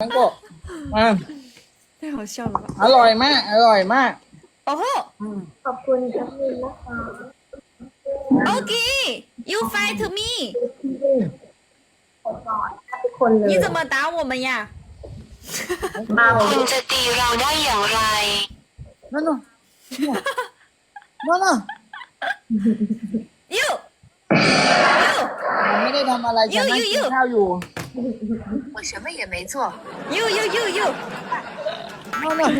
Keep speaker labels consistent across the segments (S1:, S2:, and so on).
S1: ทั้งโกะอ่ะ
S2: 太好笑了吧！
S1: อร่อยมาก อร่อยมาก
S2: 哦吼
S3: ขอบคุณแอดมินนะคะ
S2: ，OK，you fight me，
S3: ขอก่อนทุกคนเลย
S2: 你怎么打我们呀？
S3: มา
S4: คุณจะตีเราได้อย่างไร
S1: นั่นน่ะนั่นน่ะ
S2: you
S1: ผมไม่ได้ทำอะไรฉันนั่งกินข้าวอยู่
S4: 我什么也没做
S2: you you you you，
S1: นั่นน่ะ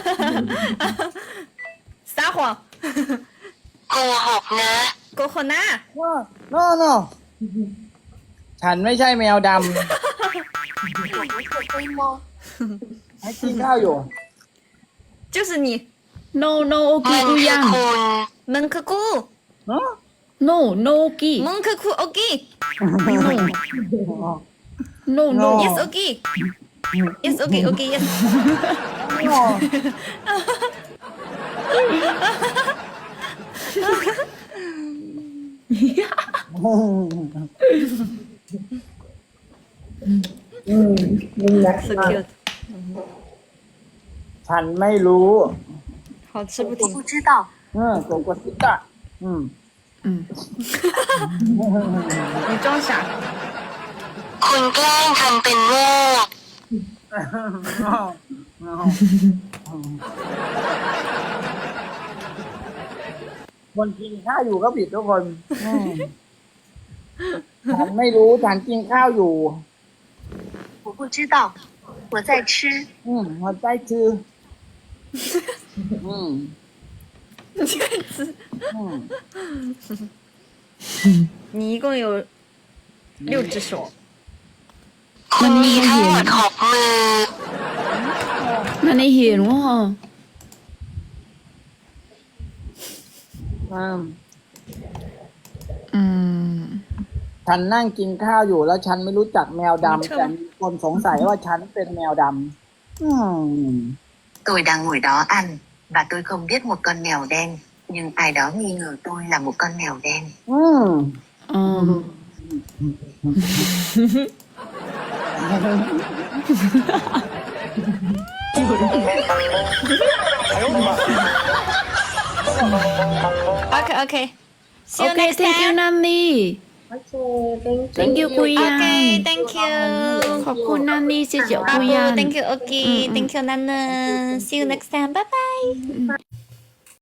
S2: 撒谎，
S4: โกหกนะ
S2: 狗吼呐！
S1: นั่นน่ะฉันไม่ใช่แมวดำให้กินข้าวอยู่
S2: 就是你，
S5: no no
S4: มั
S5: oki
S4: น
S5: กู
S4: คือ
S5: ยัง
S4: คุณ
S2: 蒙克库，
S1: ฮะ
S5: no no oki
S2: 蒙克库，OK，
S5: no no
S2: yes OK，yes OK OK yes，
S3: นี่นะ
S2: so cute，
S1: ฉันไม่รู้
S2: 好吃不停
S4: 我不。知道
S1: โกโกซิตะ
S2: 你装傻，
S4: คุณแกล้งทำเป็นโง่
S1: คนกินข้าวอยู่ก็ผิดทุกคนฉันไม่รู้ฉันกินข้าวอยู่
S4: 我不知道我在吃
S1: หัวใจคือ
S2: 你一共有6只手，
S4: คุณมีทั้งหมด6 มือ
S5: มันไม่เห็นว่า
S1: ฉันนั่งกินข้าวอยู่แล้วฉันไม่รู้จักแมวดำแต่มีคนสงสัยว่าฉันเป็นแมวดำ
S4: Tôi đang ngồi đó ăn và tôi không biết một con mèo đen, nhưng ai đó nghi ngờ tôi là một con mèo đen.
S2: ，OK OK，See
S5: โอ
S2: you
S5: เค
S2: next
S5: thank you
S2: time。
S5: นันนี่
S3: โอเค thank you
S5: thank you กุยยัง
S2: OK，Thank you。
S5: ขอบคุณนันนี่เสียเจียว
S2: 阿
S5: กุยยั
S2: 布
S5: ง
S2: ，Thank you OK，Thank you 楠楠，See you next time，拜拜。